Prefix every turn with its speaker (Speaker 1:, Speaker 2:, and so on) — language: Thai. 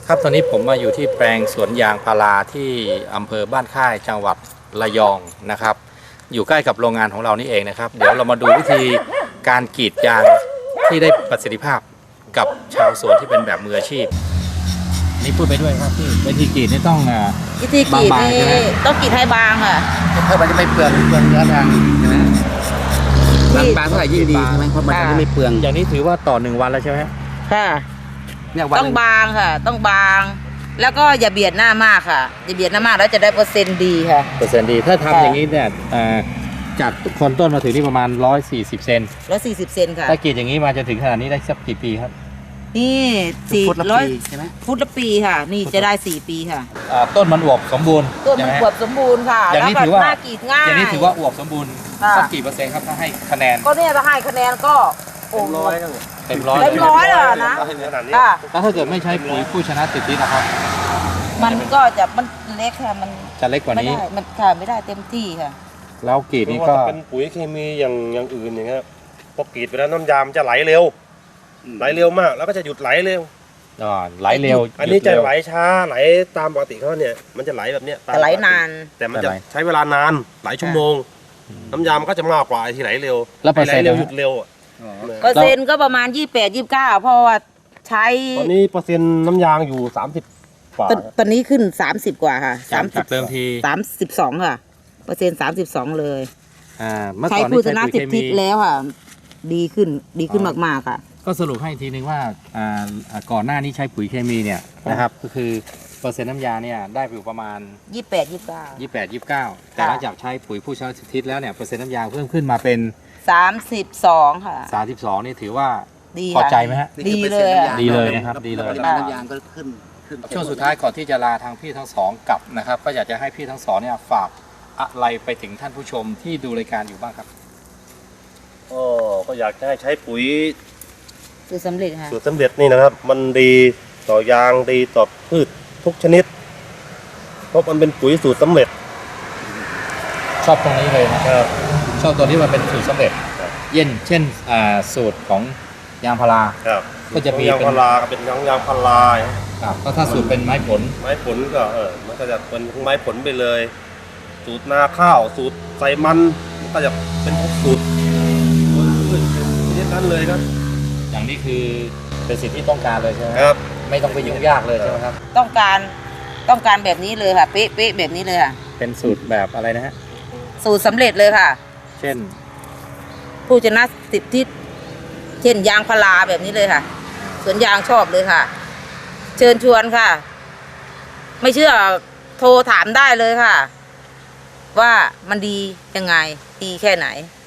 Speaker 1: ครับตอนนี้ผมมาอยู่ที่แปลงสวนยางพาราที่อำเภอบ้านค่ายจังหวัดระยองนะครับอยู่ใกล้กับโรงงานของเรานี่เองนะครับเดี๋ยวเรามาดูวิธีการกรีดยางที่ได้ประสิทธิภาพกับชาวสวนที่เป็นแบบมืออาชีพนี่พูดไปด้วยครับพี่วิธีกรีดนี่ต้อง
Speaker 2: วิธีกรีดนี่ต้องกรีดให้บางค่ะ
Speaker 3: เพื่อมันจะไม่เปลืองเนื้อยางใช่ไหมบางเท่าไหร่ยิ่งดีใช่ไหมเพราะมันจะไม่เปลือง
Speaker 1: อย่างนี้ถือว่าต่อ1 วันแล้วใช่ไหม
Speaker 2: ค่ะต้องบางค่ะต้องบางแล้วก็อย่าเบียดหน้ามากค่ะอย่าเบียดหน้ามากแล้วจะได้เปอร์เซ็นต์ดีค่ะ
Speaker 1: เปอร์เซ็นต์ดีถ้าทำอย่างนี้เนี่ยจากคนต้นมาถึงนี่ประมาณ140 เซน
Speaker 2: 140 เซนค่ะ
Speaker 1: ถ้ากรีดอย่างนี้มาจะถึงขนาดนี้ได้สักกี่ปีครับ
Speaker 2: นี่400
Speaker 3: ใช่ไหม
Speaker 2: ฟุตละปีค่ะนี่จะได้4 ปีค่ะ
Speaker 1: ต้นมันอวบสมบูรณ์
Speaker 2: ต้นมันอวบสมบูรณ์ค่ะ
Speaker 1: อย่างนี้ถือว่า
Speaker 2: หน้ากรีดง่าย
Speaker 1: อย่างนี้ถือว่าอวบสมบูรณ์สักกี่เปอร์เซ็นต์ครับถ้าให้คะแนน
Speaker 2: ก็เนี่ยถ้าให้คะแนนก็
Speaker 1: เต็มร้อย
Speaker 2: เลยนะ
Speaker 1: แล้วถ้าเกิดไม่ใช้ปุ๋ยผู้ชนะติดที่นะครับ
Speaker 2: มันก็จะมันเล็กค่ะมัน
Speaker 1: จะเล็กกว่านี้
Speaker 2: มันค่ะไม่ได้เต็มที่ค่ะ
Speaker 1: แล้วกรีดนี้ก็
Speaker 4: เป็นปุ๋ยเคมีอย่างอื่นอย่างเงี้ยพอกรีดไปแล้วน้ำยามันจะไหลเร็วมากแล้วก็จะหยุดไหลเร็ว
Speaker 1: ไหลเร็ว
Speaker 4: อันนี้จะไหลช้าไหลตามปกติเขาเนี่ยมันจะไหลแบบเนี้ย
Speaker 2: แต่ไหลนาน
Speaker 4: แต่มันจะใช้เวลานานหลายชั่วโมงน้ำยามันก็จะมากกว่าไอ้ที่ไหลเร็ว
Speaker 1: แล้วไหล
Speaker 4: เร็วหยุดเร็ว
Speaker 2: เปอร์เซ็นต์ก็ประมาณ28-29เพราะว่าใช้
Speaker 4: ตอนนี้เปอร์เซ็นต์น้ำยางอยู่30กว่า
Speaker 2: ตอนนี้ขึ้น30กว่าค่ะ
Speaker 1: 30เติมที
Speaker 2: 32ค่ะเปอร์เซ็นต์32เลย
Speaker 1: ใช้
Speaker 2: ผู้ชนะ10 ทิศแล้วค่ะดีขึ้นมากๆค่ะ
Speaker 1: ก็สรุปให้ทีนึงว่าก่อนหน้านี้ใช้ปุ๋ยเคมีเนี่ยนะครับก็คือเปอร์เซ็นต์น้ำยาเนี่ยได้อยู่ประมาณ28-29แต่หลังจากใช้ปุ๋ยผู้ชนะ10 ทิศแล้วเนี่ยเปอร์เซ็นต์น้ำยาเพิ่มขึ้นมาเป็น
Speaker 2: 32ค่ะ
Speaker 1: 32นี่ถือว่า
Speaker 2: ดี
Speaker 1: พอใจไหมฮะ
Speaker 2: ดีเลย
Speaker 1: ดีเลยนะครับดีเลย
Speaker 3: น้ำยางก็ขึ้น
Speaker 1: ช่วงสุดท้ายก่อนที่จะลาทางพี่ทั้งสองกลับนะครับก็อยากจะให้พี่ทั้งสองเนี่ยฝากอะไรไปถึงท่านผู้ชมที่ดูรายการอยู่บ้างครับ
Speaker 4: ก็อยากจะให้ใช้ปุ๋ย
Speaker 2: สูตรสำเร็จค่ะ
Speaker 4: สูตรสำเร็จนี่นะครับมันดีต่อยางดีต่อพืชทุกชนิดเพราะมันเป็นปุ๋ยสูตรสำเร็จ
Speaker 1: ชอบตรงนี้เลยนะครับชอบตัวที่มันเป็นสูตรสำเร็จเช่นสูตรของยางพาราก็จะมี
Speaker 4: ยางพาราเป็นยางพารา
Speaker 1: ก็ถ้าสูตรเป็นไม้ผล
Speaker 4: ก็มันก็จะเป็นไม้ผลไปเลยสูตรนาข้าวสูตรใส่มันก็จะเป็นสูตรนั้นเลยครับ
Speaker 1: อย่างนี้คือเป็นสิ่งที่ต้องการเลยใช่ไหม
Speaker 4: ครับ
Speaker 1: ไม่ต้องไปยุ่งยากเลยใช่ไหมครับ
Speaker 2: ต้องการแบบนี้เลยค่ะเป๊ะแบบนี้เลยค่ะ
Speaker 1: เป็นสูตรแบบอะไรนะฮะ
Speaker 2: สูตรสำเร็จเลยค่ะ
Speaker 1: เช่น
Speaker 2: ผู้ชนะ10 ทิศเช่นยางพาราแบบนี้เลยค่ะสวนยางชอบเลยค่ะเชิญชวนค่ะไม่เชื่อโทรถามได้เลยค่ะว่ามันดียังไงดีแค่ไหน